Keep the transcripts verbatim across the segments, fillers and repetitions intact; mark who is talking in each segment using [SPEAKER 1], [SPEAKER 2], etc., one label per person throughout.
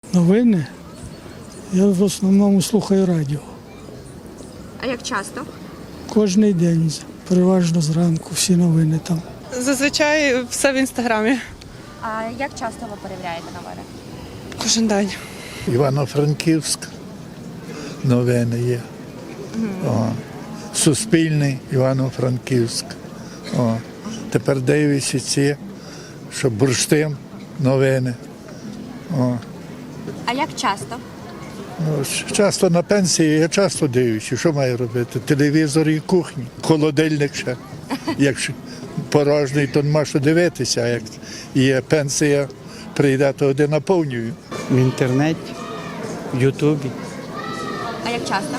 [SPEAKER 1] Новини? Я в основному слухаю радіо.
[SPEAKER 2] А як часто?
[SPEAKER 1] Кожний день, переважно зранку, всі новини там.
[SPEAKER 3] Зазвичай все в інстаграмі.
[SPEAKER 2] А як часто ви перевіряєте новини?
[SPEAKER 3] Кожен день.
[SPEAKER 4] Івано-Франківськ, новини є. О. Суспільний, Івано-Франківськ. О. Тепер дивлюся ці, що бурштин, новини. О.
[SPEAKER 2] А як часто?
[SPEAKER 4] Ну, часто на пенсії, я часто дивлюся, що маю робити? Телевізор і кухні, холодильник ще. Якщо порожній, то нема що дивитися, а як є пенсія, прийде, то один наповнюю.
[SPEAKER 5] В інтернеті, в Ютубі.
[SPEAKER 2] А як часто?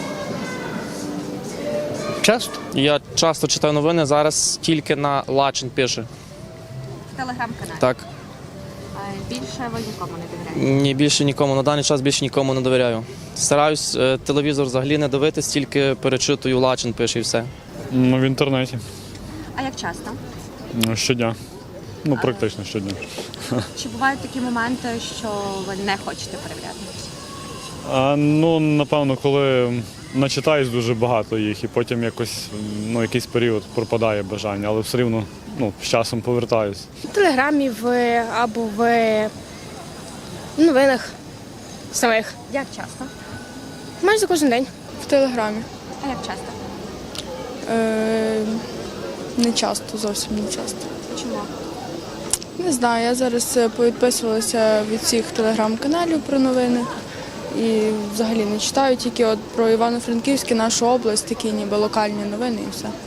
[SPEAKER 5] Часто.
[SPEAKER 6] Я часто читаю новини, зараз тільки на Лачин пише.
[SPEAKER 2] В телеграм-каналі?
[SPEAKER 6] Так.
[SPEAKER 2] А більше ви нікому не довіряєте?
[SPEAKER 6] Ні, більше нікому. На даний час більше нікому не довіряю. Стараюсь е, телевізор взагалі не дивитись, тільки перечитую Лачин пише і все.
[SPEAKER 7] Ну, в інтернеті.
[SPEAKER 2] А як часто?
[SPEAKER 7] Ну, щодня. Ну, практично щодня.
[SPEAKER 2] Чи бувають такі моменти, що ви не хочете перевіряти?
[SPEAKER 7] А, ну, напевно, коли начитаюсь дуже багато їх, і потім якось, ну, якийсь період пропадає бажання, але все рівно, ну, з часом повертаюсь.
[SPEAKER 8] В телеграмі в, або в новинах самих.
[SPEAKER 2] Як часто?
[SPEAKER 8] Майже кожен день.
[SPEAKER 9] В телеграмі.
[SPEAKER 2] А як часто?
[SPEAKER 9] Е, не часто, зовсім не часто.
[SPEAKER 2] Чому?
[SPEAKER 9] Не знаю, я зараз е, повідписувалася від всіх телеграм-каналів про новини і взагалі не читаю, тільки от про Івано-Франківське, нашу область, такі ніби локальні новини і все.